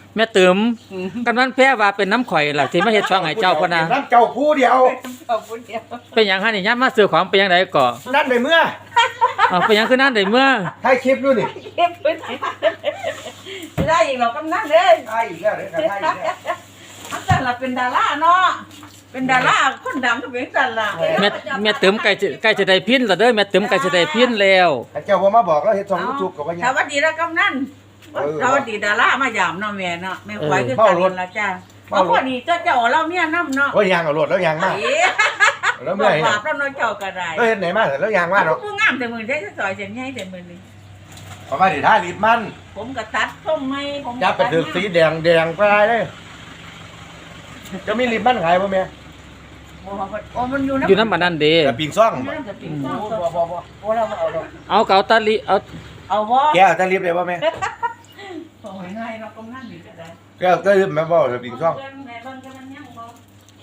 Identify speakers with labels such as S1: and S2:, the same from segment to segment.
S1: แม่ติ๋มกำนันแพ้ว่าเป็นน้ำข่อยล่ะที่มาเฮ็ดช่องให้เจ้าพ่นน่ะ
S2: น้ำเจ้าผู้เดียว
S3: ขอบคุณเดียว
S1: เป็นหยังฮะนี่ยามมาซื้อของเป็นหยังไดก่อ
S2: นั่นในเมื่อ
S1: เป็นหยังคือนั่นได้เมื่อ
S2: ถ่ายคลิปอยู่นี่
S3: เก็บพื้นที่ไม่ได้อีกหรอกกำนันเลย
S2: ถ่ายอีกแล้วเดี๋ยวถ่ายอีกแล้ว
S3: อันนั้นล่ะเป็นดาราเนาะเป็นดาราคนดังก็เป็นกันล่ะ
S1: แม่ติ๋มใกล้จะได้พินแล้วเด้อแม่ติ๋มใกล้จะได้พินแล้ว
S2: เจ้าบ่มาบอกแล้วเฮ็ดช่อง YouTube ก็บ่
S3: ส
S2: ยัง
S3: วัสดีแล้วกำนันสวัสดีดารามายามเนาะแม่เนาะแม่ควายคือกันละจ้าเพราะพอดีเจ้าเราเมียน้ำเนาะ
S2: โอ้ยยางเอารถแล้วยางมาแล้ว
S3: บ
S2: เมื่
S3: อ
S2: อก ย
S3: บาปแล้วเนาะเจ้าก็ได้
S2: แล้วเฮ็ดไหนมาแล้วยางมาเนาะ
S3: ผู้งามแต่มือได้ซอยเส้นใหญ่แต่มือนี่
S2: ประมาณนี้ท่าลิดมัน
S3: ผมก็ตัดส้มไม่ผม
S2: จับไปถึงสีแดงไปเลยจะมีลิดมันขายบ่แม่
S3: โอ้มันอยู่
S1: อยู่น้ำมันนั่นเด้
S2: แต่ปิงซ่อง
S3: น้ำจะปิ่งซ่องบ่โอ้เราเอาดอก
S1: เอาเกาตาลิเอา
S3: เอาบ่
S2: แก้วจะรีบได้บ่แม่
S3: โอ้ยง่ายเนาะกำนันนี่ก็ได้
S2: แก้วจะรีบแม่บ่จะปิงซ่อง
S3: แม่เบิ่งกันมันยังบ่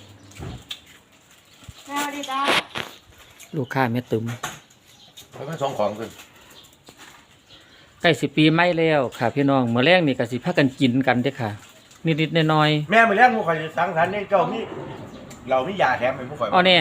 S3: สวัสดีจ้า
S1: ลูกค้าแม่ติ๋ม
S2: มันส่งของขึ้น
S1: ใกล้สิปีใหม่แล้วค่ะพี่น้องมื้อแรกนี่ก็สิพากันกินกันเด้อค่ะนิดๆหน่อย
S2: แม่มื้อแรกหมู่ข่อยสังสรรค์นี่เจ้ามีเรามียาแถมให้หมู่ข่อย
S1: ๆอ๋อแน่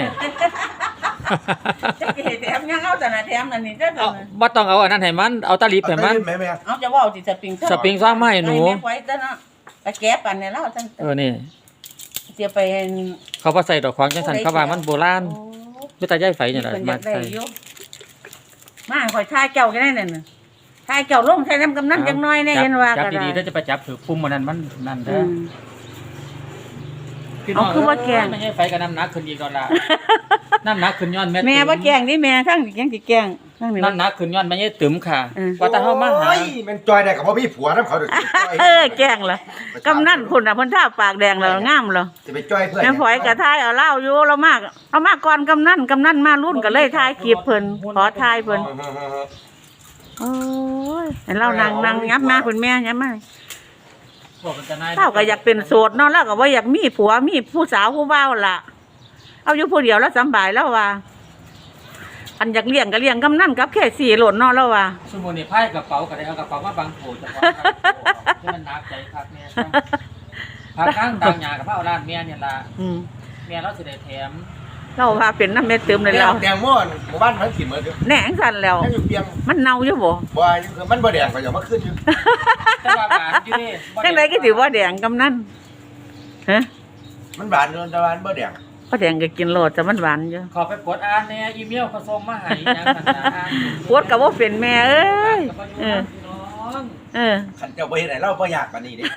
S3: จะแถมยังเอาแต่น่ะแถมอันนี้เด้อ
S1: เอาบ่ต้องเอาอันนั้นให้มันเอาตาลิบให้มัน
S2: แม่
S3: เอาจะว่าสิสปริง
S1: สปริงซ่อมมาให้หนู
S3: แม่ไว้ซะเนาะไปแก้ปันเนี่ยแล้วจัง
S1: นี่
S3: เสียไป
S1: เขาบ่ใส่ดอกขวางจังซั่นเขาว่ามันโบราณ
S3: โอ้
S1: คือตาย้ายไฟนี่
S3: เพิ่
S1: ล่ะ
S3: นอยาม
S1: าก
S3: ได้
S1: ใส่
S3: อยู่มาข่อยทายเจ้าก็ได้นั่นน่ะทายเจ้าลงใส่น้ำกำนันจังน้อยแน่เห็นว่า
S1: จับ
S3: ก็ได้
S1: ดีๆถ้าจะไปจับถือปุ่มมันนั้นมันนั่น
S3: อื
S1: เด้อ
S3: ม
S1: พี่น้อง
S3: เอาคือว่าแกง
S1: ไม่ใช่ไฟกับน้ำหนักขึ้นอีกดอกล่ะน้ำหนักขึ้นย้อนแม่
S3: แม่
S1: ติ๋
S3: บ่แกล้งนี่แม่ทั้งสิแกล้งสิแกล้งทั้งนี่
S1: น้ำหนักขึ้นย้อนแม่ใช่ติ๋มค่ะว่าแต่เฮามาหา
S2: โอ้ยมันจอยได้กับพ่อพี่ผัวน้ำเขาเด้อจอย
S3: แกล้งล่ะกำนันพุ่นน่ะเพิ่นทาปากแดงแล้วงามแล้ว
S2: จะไปจอยเพื่อน
S3: แม่ฝอยก็ทายเอาเหล้าอยู่เรามากเอามาก่อนกำนันมารุ่นก็เลยทายคลิปเพิ่นขอทายเพิ่นโอ้ยให้เรานั่งยับมาคุณแม่ยับมา
S1: พวกมันจะนาย
S3: เราก็อยากเป็นโสดเนาะเราก็บ่อยากมีผัวมีผู้สาวผู้บ่าวล่ะเอาอยู่ผู้เดียวแล้วสำบายแล้วว่าอันอยากเลี้ยงก็เลี้ยงกำนันกับแค่สี่หล่นเนาะแล้วว่า
S1: สมุนนี่พายกระเป๋าก็ได้เอากระเป๋ามาบังโผล่เฉพาะที่มันหนักใจครับแม่พาข้างดังหยากับพระเอาร้านแม่เนี่ยล่ะ
S3: อืม
S1: แม่เราสิได้แถม
S3: เราว่าเป็นน้ำเม็ดเติมเลยแล้ว
S2: แตงโมหมู่บ้านมันกินเหมือนเดิม
S3: แหน่งสั่นแล้ว
S2: ยังอยู่เปียง
S3: มันเน่าอยู่บ่
S2: บ่มันบ่แดงก็อย่ามาขึ้นอยู่
S1: แต่ว่าหวานอยู่นี่
S3: จังไดก็สิว่าแดงกำนันฮะ
S2: มันหวานอยู่แต่ว่ามันบ่แดง
S3: ก็แดงก็กินโลดแต่มันหวานอยู่
S1: ขอไปกดอ่านแน่อีเมลเขาส่งมาให้ยังกันนะ
S3: ปวดก็บ่เป็นแม่เอ้ยเออเออ
S2: ขันเจ้าบ่เฮ็ดให้เราบ่ยากปานนี้เด้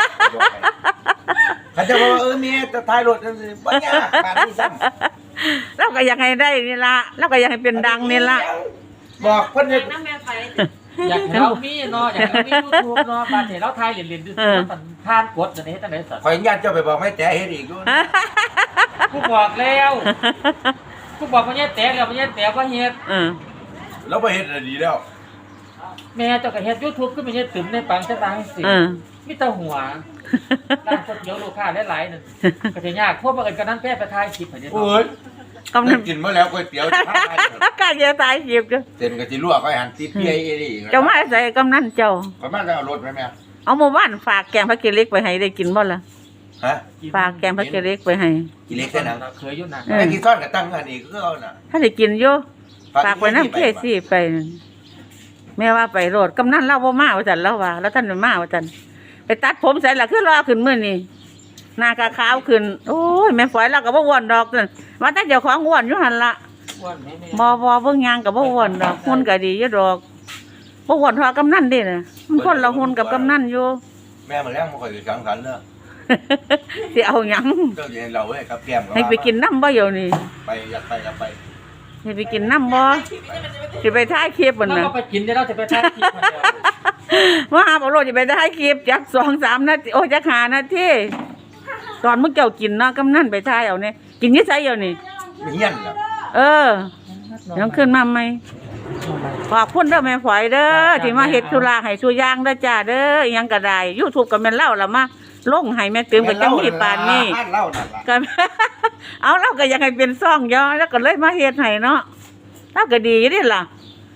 S2: ขันเจ้าว่าเมียจะท้ายรถจังซี่บ่ยากปานนี้ซ้ำ
S3: เราก็อยากให้ได้นี่ล่ะเราก็อยากให้เป็นดังนี่ล่ะ
S2: บอกเพิ่นเฮ็ด
S3: น้ำแม่ไผ
S1: อยากให้เรามีเนาะอยากให้เรามี YouTube เนาะบาดเห็นเราถ่ายเล่นๆดูมันผ่านกดจังได๋เฮ็ดจังได๋สัตว์
S2: ข่อยญาติเจ้าไปบอกให้แต่เฮ็ดอีกอยู่
S1: กูบอกแล้วกูบอกว่าเนี่ยแตกแล้วว่าเนี่ยแตกว่าเฮ็ด
S3: เออ
S2: แล้วบ่เฮ็ดดีแล้ว
S1: แม่เจ้าก็เฮ็ด YouTube ขึ้นมาเฮ็ดตึมในปังจะบางสิ
S3: เออ
S1: มีแต่หัวร้านก๋วยเตี๋ยวลูกค้าหลายๆนั่นก็สิยากพวกบังเอิญกันนั้นแพ้ไปถ่ายคลิปให้เด้
S2: โอ้ย
S3: กำนัน
S2: กินมาแล้วก๋วยเตี๋ยวจะทำให้
S3: กาจะตายจีบกัน
S2: เส้นก็สิลวกไว้หั่นติเปียอีนี่
S3: เจ้ามาใส่กำนันเจ้า
S2: ประมาณจะเอารถไหมแม่
S3: เอาหมู่บ้านฝากแกงผักเกล็กไปให้ได้กินบ่ล่ะ
S2: ฮะ
S3: ฝากแกงผักเกล็กไปให้
S2: กินเล็กแค่นั้น
S1: เคยอยู่นะ
S2: ไอ้ที่ซ่อนกับตั้งอันนี้ก็เอาน่ะ
S3: ถ้าได้กินอยู่ฝากไว้น้ำเกซี่ไปนั่นแม่ว่าไปโรดกำนันเล่าบ่มาว่าจันเล่าว่าแล้วท่านไม่มาว่าจันไปตัดผมใส่ละคือรอขึ้นมื้อนี้หน้ากะขาวขึ้นโอ้ยแม่ฝอยเราก็บ่อ้วนดอกนั่นว่าแต่เจ้าของอ้วนอยู่หั่นล่ะ
S1: อ้วนแม่
S3: บ่เบิ่งยางก็บ่อ้วนดอกหุ่นก็ดีอยู่ดอกบ่อ้วนเท่ากำนันเด้น่ะมันคนละหุ่นกับกำนันอยู่
S2: แม่มาแล้วมันค่อยสังสรรค์เนอะ
S3: สิเอาหยัง
S2: ก็เย็นเราเว้ยกับแก้ม
S3: ให้ไปกินน้ำบ่เดี๋ยวนี้
S2: ไปอยากไป
S3: ให้ไปกินน้ำบ่สิไปถ่ายคลิป
S1: มั
S3: มัน นน่ะ
S1: ก็ไปกินได้เราจะไปถ่ายคลิปคนเดียว
S3: ว่าบ่รู้สิไปถ่ายคลิปจัก2-3นาทีโอ้จัก5นาทีตอนมึงเจ้ากินเนาะกำนันไปถ่ายเอาเนี่ยกินอยู่ไสเดี๋ยวนี้
S2: ไม่เฮี้ยนน่ะ
S3: เออยังขึ้นมาใหม่ขอบคุณเด้อแม่ฝอยเด้อที่มาเฮ็ดธุระให้สู่อย่างเด้อจ้าเด้ออิหยังก็ได้ YouTube ก็แม่นเล่าล่ะมาลงให้แม่เติมก็จังมีปานนี้
S2: เล่านั่นล่ะ
S3: ก็ เอาเราก็อยากให้เป็นซ่องย่อแล้วก็เลยมาเฮ็ดให้เนาะเราก็ดีอยู่นี่ล่ะ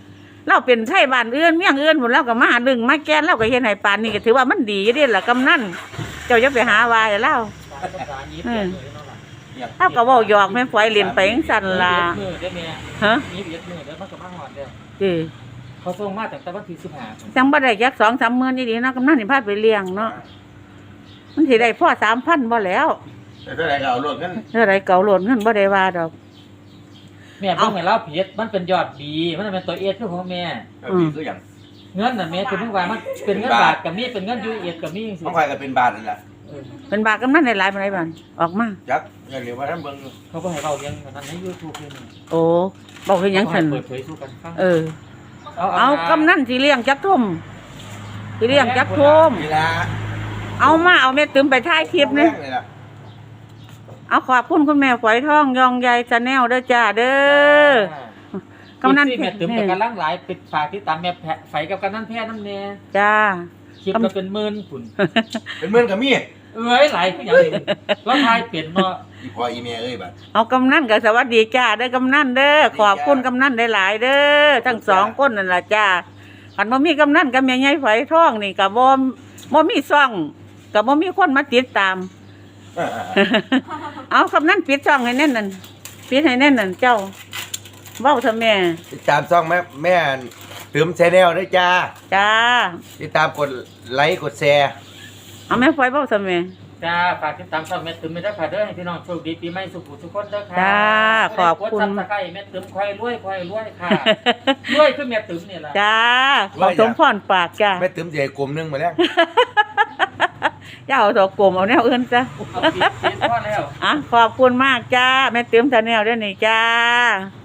S3: เราเป็นไทบ้านอื่นเมียงอื่นหมดเราก็มาดึงมาแกนเราก็เฮ็ดให้ปานนี้ก็ถือว่ามันดีอยู่เด้ล่ะกำนันเจ้าอย่าไปหาว่าให้เรา
S1: ภาษานี้เปลี่ยนเลยเนาะล่ะ
S3: เฮาก็เว้าหยอกแม่ฝอยเล่นไปจังซั่นล่ะ
S1: มือได้แม่
S3: ฮะ
S1: มีเบียดมือเด้อมันก็มาหอดเด้อ
S3: ติ
S1: เขาส่งมาตั้งแต่วันที่15
S3: จังบ่ได้จัก 2-3 มื้อนี่ดีเนาะกำนันนี่พาไปเลี้ยงเนาะมันสิได้พอ 3,000 บ่แล้ว
S2: แต่เท่าไหร่ก็เอารถกัน
S3: เท่าไรเก่าโหลดเงินบ่ได้ว่าดอก
S1: แม่เพิ่งให้เราเพียรมันเป็นยอดดีมันเป็นตัวเอสคือของแม่
S2: มีคืออย่าง
S1: เงินน่ะแม่คือเพิ่งว่ามันเป็นเงินบาทกับมีเป็นเงินยูเอสกับมีจังซี่
S2: ต้องคอยกันเป็นบาทนั่นแหละ
S3: เป็นบาทกำนันได้หลายปานใดบัดออกมา
S2: จักเงินเหลือว่าท่านเบิ่ง
S1: เขาบ่ให้เว้าเรื่องนั้นใน YouTube เลยนี่
S3: โอ้บอกเฮ็ดหยังซั่น
S1: เปิดเผยสู่กันฟัง
S3: เอากำนันสิเลี้ยงจักทุ่มสิเลี้ยงจักทุ่ม
S2: นี่ละ
S3: เอามาเอาแม่ตึมไปถ่ายคลิปนี่
S2: นี่ละ
S3: เอาขอบคุณคุณแม่ฝอยทองยองใยชาแนลเด้อจ้าเด้อกำนัน
S1: แม่ตึมกับกำลังหลายปิดฝากที่ตามแม่ไฟกับกำนันแพ้น้ำแน่
S3: จ้า
S1: คลิปก็เป็นหมื่นพุ่น
S2: เป็นเมื่อนกับมี
S1: เอ้ยหลายคือหยังนี่แล้วทายเปลี่ยนเนาะ
S2: อีพออีเมียเอ้ยบัด
S3: เอากำนันก็สวัสดีจ้าเด้อกำนันเด้อขอบคุณกำนันได้หลายเด้อทั้งสองคนนั่นล่ะจ้าคันบ่มีกำนันกับแม่ใหญ่ฝอยทองนี่ก็บ่มีซ่องก็บ่มีคนมาติดตาม เอาคำนั้นปิดช่องให้แน่นนั่นปิดให้แน่นนั่นเจ้าเว้าเถอะแม่
S2: ติดตามช่องแม่ตืมแชนแนลด้วยจ้า
S3: จ้า
S2: ติดตามกดไลค์กดแชร์
S3: เอาแม่ฝอยเว้าเถอะแม่
S1: จ้าฝากติดตามช่องแม่ตึมไม่ได้ค่ะเด้อให้พี่น้องโชคดีปีใหม่สุขทุกคนเด้อค่ะ
S3: จ้าขอบคุณ
S1: กดซับสไครต์แม่ตึมค่อยรวยค่ะรวยคือแม่ตึมนี่ล่ะ
S3: จ้าขอสมพรปากจ้า
S2: แม่ตืมใหญ่กลมนึงมาแล้ว
S3: อย่าเอาดอกกลมเอาแนวอื่นจ้า
S1: เอาปิดพอแล้ว
S3: อ่ะขอบคุณมากจ้าแม่เติมชาแนลด้วยนี่จ้า